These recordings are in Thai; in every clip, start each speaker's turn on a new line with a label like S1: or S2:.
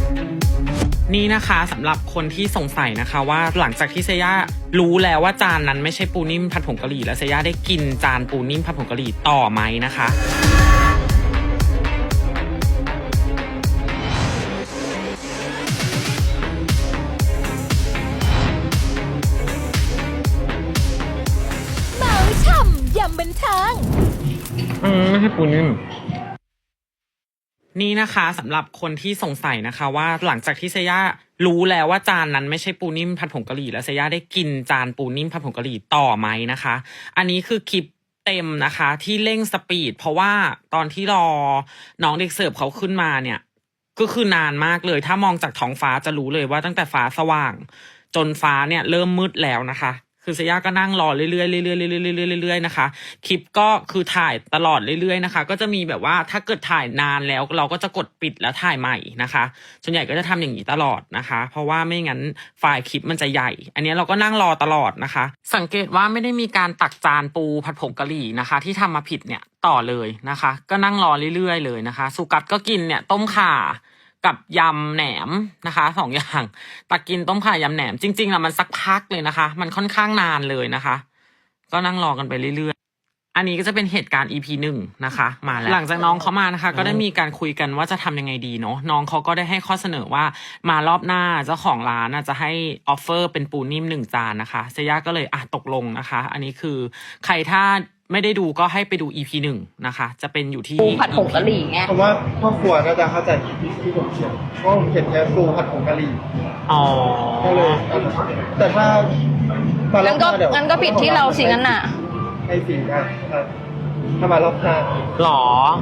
S1: นี่นะคะสำหรับคนที่สงสัยนะคะว่าหลังจากที่เซย่ารู้แล้วว่าจานนั้นไม่ใช่ปูนิ่มผัดผงกะหรี่แล้วเซย่าได้กินจานปูนิ่มผัดผงกะหรี่ต่อไหมนะคะ
S2: เมาช่ำยำบันเทิง
S1: ไม่ใช่ปูนิ่มนี่นะคะสำหรับคนที่สงสัยนะคะว่าหลังจากที่เซย่ารู้แล้วว่าจานนั้นไม่ใช่ปูนิ่มผัดผงกะหรี่แล้วเซย่าได้กินจานปูนิ่มผัดผงกะหรี่ต่อไหมนะคะอันนี้คือคลิปเต็มนะคะที่เร่งสปีดเพราะว่าตอนที่รอน้องเด็กเสิร์ฟเขาขึ้นมาเนี่ยก็คือนานมากเลยถ้ามองจากท้องฟ้าจะรู้เลยว่าตั้งแต่ฟ้าสว่างจนฟ้าเนี่ยเริ่มมืดแล้วนะคะคือเซย่าก็นั่งรอเรื่อยๆเรื่อยๆเรื่อยๆนะคะคลิปก็คือถ่ายตลอดเรื่อยๆนะคะก็จะมีแบบว่าถ้าเกิดถ่ายนานแล้วเราก็จะกดปิดแล้วถ่ายใหม่นะคะส่วนใหญ่ก็จะทำอย่างนี้ตลอดนะคะเพราะว่าไม่งั้นไฟล์คลิปมันจะใหญ่อันนี้เราก็นั่งรอตลอดนะคะสังเกตว่าไม่ได้มีการตักจานปูผัดผงกะหรี่นะคะที่ทำมาผิดเนี่ยต่อเลยนะคะก็นั่งรอเรื่อยๆเลยนะคะสุกัดก็กินเนี่ยต้มข่ากับยำแหนมนะคะ2 อย่างตักกินต้มข่ายำแหนมจริงๆอะมันสักพักเลยนะคะมันค่อนข้างนานเลยนะคะก็นั่งรอกันไปเรื่อยๆอันนี้ก็จะเป็นเหตุการณ์ EP 1นะคะมาแล้วหลังจากน้องเขามานะคะก็ได้มีการคุยกันว่าจะทำยังไงดีเนาะน้องเขาก็ได้ให้ข้อเสนอว่ามารอบหน้าเจ้าของร้านจะให้ออฟเฟอร์เป็นปูนิ่ม1 จานนะคะเซย่าก็เลยตกลงนะคะอันนี้คือใครถ้าไม่ได้ดูก็ให้ไปดู EP 1นะคะจะเป็นอยู่ที่
S3: ปูผัดผงกะหรี่ไง
S4: ผมว่าพ่อครัวน่าจะเข้าใจที่ผมเขียนเพราะผมเขียนแค่ปูผัดผงกะหรี่ก็เลยแต่ถ้า
S3: งั้นก็ผิดที่เราสิงั้นน่ะ
S4: ให้สิได้ถ้ามารอบหน้า
S1: หรอ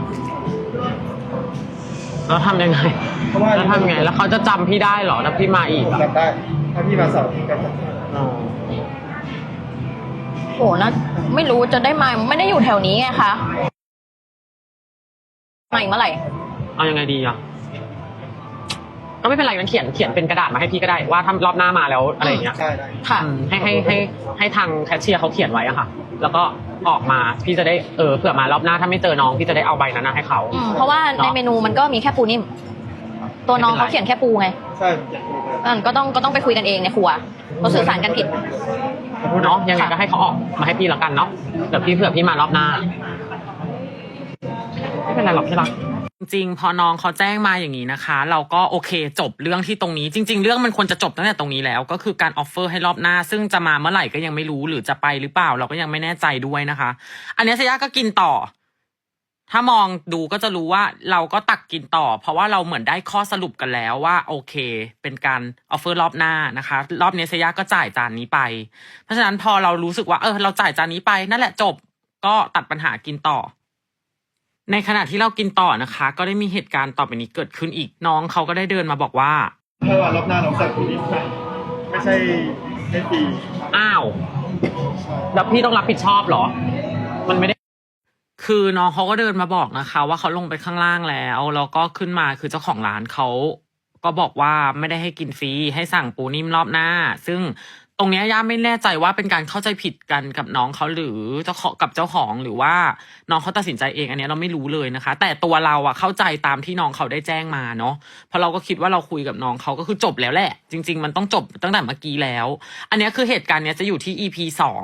S1: แล้วทำยังไงแล้วทำยังไงแล้วเขาจะจำพี่ได้หรอถ้าพี่มาอีก
S4: จำได้ถ้าพี่มา2 ทีก็จำได้
S3: โหนะไม่รู้จะได้มาไม่ได้อยู่แถวนี้ไงคะมาอีกเมื่อไหร่
S1: เอายังไงดีอ่ะก็ไม่เป็นไรงั้นเขียนเป็นกระดาษมาให้พี่ก็ได้ว่าทำรอบหน้ามาแล้วอะไรอย่างเงี้ย
S3: ค่ะ
S1: ให้ทางแคชเชียร์เขาเขียนไว้อะค่ะแล้วก็ออกมาพี่จะได้เผื่อมารอบหน้าถ้าไม่เจอน้องพี่จะได้เอาใบนั้นให้เขา
S3: เพราะว่าในเมนูมันก็มีแค่ปูนิ่มตัวน้องเขาเขียนแค่ปูไง
S4: ใช่
S3: ก็ต้องไปคุยกันเองในครัวเราสื่อสารกันผิด
S1: เนาะยังไงก็ให้เขาออกมาให้พี่แล้วกันเนาะเดี๋ยวพี่เผื่อพี่มารอบหน้าไม่เป็นไรหรอกที่รักจริงๆพอน้องเขาแจ้งมาอย่างนี้นะคะเราก็โอเคจบเรื่องที่ตรงนี้จริงๆเรื่องมันควรจะจบตั้งแต่ตรงนี้แล้วก็คือการออฟเฟอร์ให้รอบหน้าซึ่งจะมาเมื่อไหร่ก็ยังไม่รู้หรือจะไปหรือเปล่าเราก็ยังไม่แน่ใจด้วยนะคะอันนี้เซย่าก็กินต่อถ้ามองดูก็จะรู้ว่าเราก็ตักกินต่อเพราะว่าเราเหมือนได้ข้อสรุปกันแล้วว่าโอเคเป็นการออฟเฟอร์รอบหน้านะคะรอบนี้เซย่าก็จ่ายจานนี้ไปเพราะฉะนั้นพอเรารู้สึกว่าเราจ่ายจานนี้ไปนั่นแหละจบก็ตัดปัญหากินต่อในขณะที่เรากินต่อนะคะก็ได้มีเหตุการณ์ต่อไปนี้เกิดขึ้นอีกน้องเขาก็ได้เดินมาบอกว่า
S4: ถ้ารอบหน้าน้องสั่งนี้ไม่ใช่ให้ฟรี
S1: อ้าวแล้วพี่ต้องรับผิดชอบเหรอมันไม่ได้คือน้องเขาก็เดินมาบอกนะคะว่าเขาลงไปข้างล่างแล้วก็ขึ้นมาคือเจ้าของร้านเขาก็บอกว่าไม่ได้ให้กินฟรีให้สั่งปูนิ่มรอบหน้าซึ่งตรงนี้ย่าไม่แน่ใจว่าเป็นการเข้าใจผิดกันกับน้องเขาหรือเจ้าของหรือว่าน้องเขาตัดสินใจเองอันนี้เราไม่รู้เลยนะคะแต่ตัวเราเข้าใจตามที่น้องเขาได้แจ้งมาเนาะเพราะเราก็คิดว่าเราคุยกับน้องเขาก็คือจบแล้วแหละจริงๆมันต้องจบตั้งแต่เมื่อกี้แล้วอันนี้คือเหตุการณ์นี้จะอยู่ที่ EP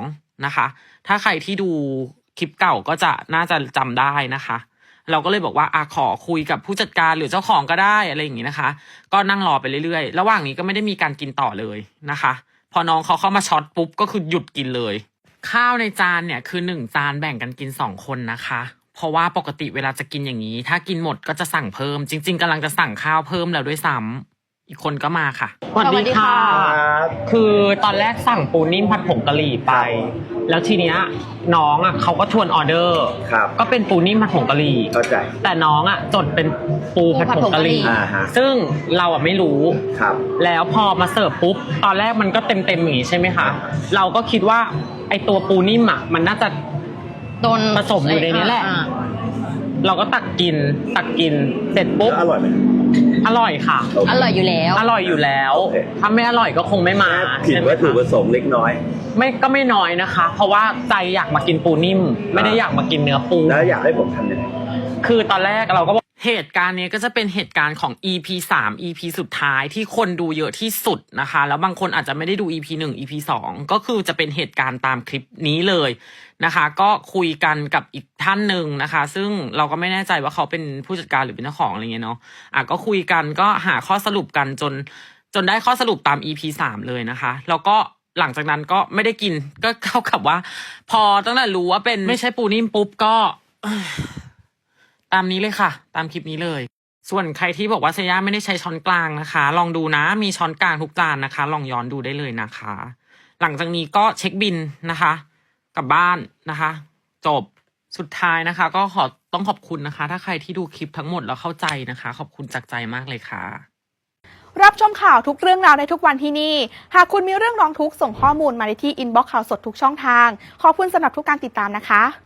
S1: 2นะคะถ้าใครที่ดูคลิปเก่าก็จะน่าจะจำได้นะคะเราก็เลยบอกว่าขอคุยกับผู้จัดการหรือเจ้าของก็ได้อะไรอย่างนี้นะคะก็นั่งรอไปเรื่อยๆระหว่างนี้ก็ไม่ได้มีการกินต่อเลยนะคะพอน้องเขาเข้ามาช็อตปุ๊บก็คือหยุดกินเลยข้าวในจานเนี่ยคือ1 จานแบ่งกันกิน2 คนนะคะเพราะว่าปกติเวลาจะกินอย่างนี้ถ้ากินหมดก็จะสั่งเพิ่มจริงๆกำลังจะสั่งข้าวเพิ่มแล้วด้วยซ้ำอีกคนก็มาค่ะสวัสดีค่ะคือตอนแรกสั่งปูนิ่มผัดผงกะหรี่ไปแล้วทีเนี้ยน้องเขาก็ทวนออเดอร์ก็เป็นปูนิ่มผัดผงกะหรี่
S4: เข้าใจ
S1: แต่น้องจดเป็นปูผัดผงกะหรี่ซึ่งเราไม่รู้แล้วพอมาเสิร์ฟปุ๊บตอนแรกมันก็เต็มอย่างนี้ใช่ไหมคะเราก็คิดว่าไอตัวปูนิ่มมันน่าจะ
S3: โดน
S1: ผสมอยู่ในนี้แหละเราก็ตักกินเสร็จปุ๊บ
S4: อร่อยไหม
S1: อร่อยค่ะ
S3: อร่อยอยู่
S1: แล้วถ้าไม่อร่อยก็คงไม่มา
S4: ผิดวัตถุประสงค์เล็กน้อย
S1: ก็ไม่น้อยนะคะเพราะว่าใจอยากมากินปูนิ่มไม่ได้อยากมากินเนื้อปู
S4: แล้วอยากให้ผมทำยังไง
S1: คือตอนแรกเราก็เหตุการณ์นี้ก็จะเป็นเหตุการณ์ของ EP 3 EP สุดท้ายที่คนดูเยอะที่สุดนะคะแล้วบางคนอาจจะไม่ได้ดู EP 1 EP 2ก็คือจะเป็นเหตุการณ์ตามคลิปนี้เลยนะคะก็คุยกันกับอีกท่านหนึ่งนะคะซึ่งเราก็ไม่แน่ใจว่าเขาเป็นผู้จัดการหรือเป็นเจ้าของอะไรเงี้ยเนาะก็คุยกันก็หาข้อสรุปกันจนได้ข้อสรุปตาม EP 3เลยนะคะแล้วก็หลังจากนั้นก็ไม่ได้กินก็เท่ากับว่าพอตั้งแต่รู้ว่าเป็นไม่ใช่ปูนิ่มปุ๊บก็ตามนี้เลยค่ะตามคลิปนี้เลยส่วนใครที่บอกว่าเซย่าไม่ได้ใช้ช้อนกลางนะคะลองดูนะมีช้อนกลางทุกจานนะคะลองย้อนดูได้เลยนะคะหลังจากนี้ก็เช็คบิลนะคะกลับบ้านนะคะจบสุดท้ายนะคะก็ต้องขอบคุณนะคะถ้าใครที่ดูคลิปทั้งหมดแล้วเข้าใจนะคะขอบคุณจากใจมากเลยค่ะ
S5: รับชมข่าวทุกเรื่องราวได้ทุกวันที่นี่หากคุณมีเรื่องร้องทุกข์ส่งข้อมูลมาได้ที่อินบ็อกซ์ข่าวสดทุกช่องทางขอบคุณสำหรับทุกการติดตามนะคะ